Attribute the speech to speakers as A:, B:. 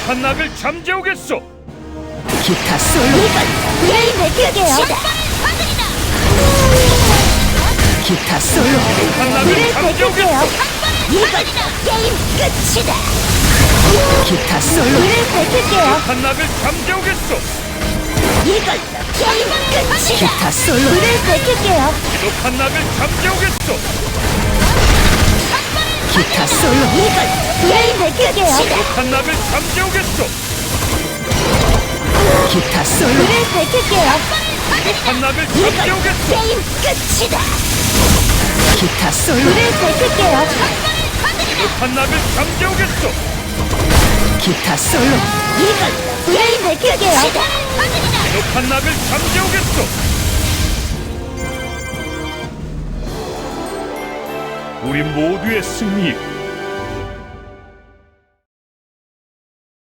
A: 비겁한 낙을 잠재우겠소.
B: 기타 솔로.
C: 불을 밝힐게요.
B: 기타 솔로.
A: 비겁한 낙을
C: 불을
A: 잠재우겠소.
C: 밝힐게요. 이건 게임 끝이다.
B: 기타 솔로.
C: 불을 밝힐게요.
A: 비겁한 낙을 잠재우겠소.
C: 이건 게임 끝이다.
B: 기타 솔로.
C: 불을 밝힐게요.
A: 비겁한 낙을 잠재우겠소.
B: 기타 솔로.
C: 이건 불을 밝힐게요.
A: 비겁한 낙을 잠재우겠소.
B: 기타 솔로.
C: 불을 밝힐게요.
A: 비겁한 낙을
C: 이건
A: 잠재우겠소.
C: 게임 끝이다.
B: 기타 솔로.
C: 불을 밝힐게요.
A: 비겁한 낙을 잠재우겠소.
B: 기타 솔로.
C: 이건 불을 밝힐게요.
A: 비겁한 낙을 잠재우겠소. 우리 모두의 승리